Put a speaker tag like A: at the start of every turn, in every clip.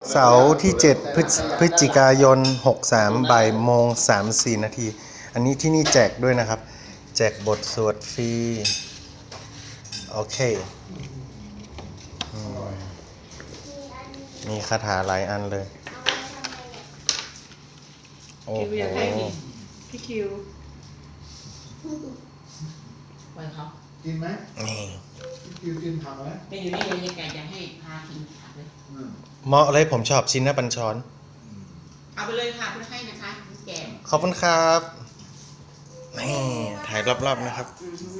A: เสาร์ที่7พฤศจิกายน63บ่ายโมง34นาทีอันนี้ที่นี่แจกด้วยนะครับแจกบทสวดฟรีโอเคมีคาถาหลายอันเลยโอ้โห
B: พี่คิว
C: วันเขา
D: กินไหม
A: นี่
D: กินกินผักไหม
C: ไม่อยู่นี่เลยแกจะให้พากินผักเลย
A: เหมาะเลยผมชอบชิ้นหน้าปัญชร
C: เอาไปเลยค่ะคุณให้นะคะแกง
A: ขอบคุณครับนี่ถ่ายรอบๆนะครับ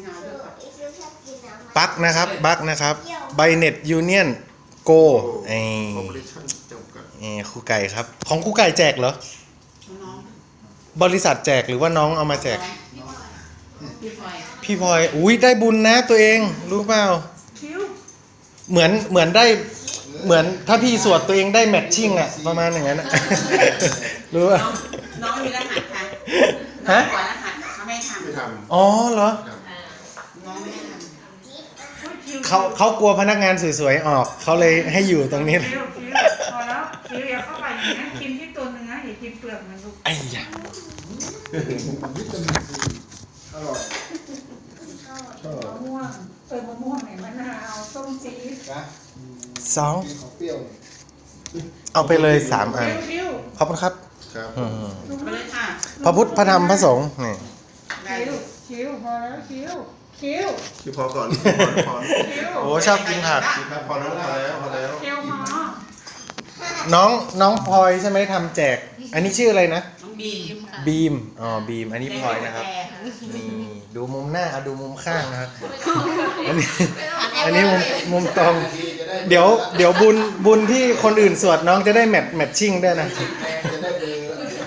A: ปักนะครับบักนะครับไบเน็ตยูเนียนโกไอ้ครูไก่ครับของครูไก่แจกเหรอ
C: น้อง
A: บริษัทแจกหรือว่าน้องเอามาแจก
C: พี่พลอย
A: พี่พลอยอุ้ยได้บุญนะตัวเองรู้เปล่า
B: คิว
A: เหมือนได้เหมือนถ้าพี่สวดตัวเองได้แมทชิ่งอะประมาณอย่างนั้นอะ รู้ป่ะ
C: น้องมีรหัสค่ะ
A: ฮะ
C: น้องก่อนรหัสเขาไม่ท
D: ไม่ท
A: อ๋อเหรอ
C: ำน้องไม่ได้ทำ
A: เขากลัวพนักงานสวยๆออกเขาเลยให้อยู่ตรงนี้
B: คิวพอแล้วคิวอย่าเข้าไปอย่างนี้กินที่ตัวเนื้ออย่ากินเปลือกมันลูก
A: ไอ้ยะ
D: ำวิตามินซีอร่อยชอบ
B: มะม่วงมะม่วงไหนมะนาวส้มจี๊ด
D: นะ
A: สอง
D: กินของเปรี้ยว
A: เอาไปเลย3อัน
B: คิว
A: ขอบคุณครับ
D: ครับ
C: ไปเลยค่ะ
A: พระพุทธพระธรรมพระสงฆ์นี่
C: ได้
B: คิวพอแล้วคิว
D: คือพอก่อนพอ
A: โอ้ชอบกินผัก
D: ครับพอแล้วพอแล้ว
B: คิวหมอ
A: น้องพลอยใช่ไหมทำแจก อันนี้ชื่ออะไรนะ
C: น้องบีมค่ะ
A: บีมอ๋อบีมอันนี้พลอยนะครับนี่ดูมุมหน้าเอาดูมุมข้างนะครับอันนี้มุมตรงเดี๋ยวบุญที่คนอื่นสวดน้องจะได้แมทชิ่งด้วยนะ
D: จะได้เบอร์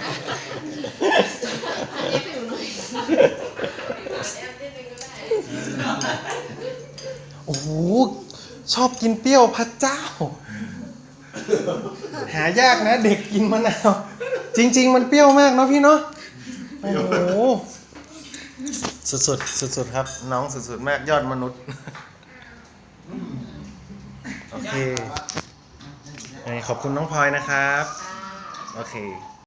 A: โอ้โหชอบกินเปรี้ยวพระเจ้า หายากนะเด็กกินมะนาวจริงๆมันเปรี้ยวมากเนาะพี่เนาะโอ้โหสุดครับน้องสุดๆมากยอดมนุษย์โอเคขอบคุณน้องพลอยนะครับโอเค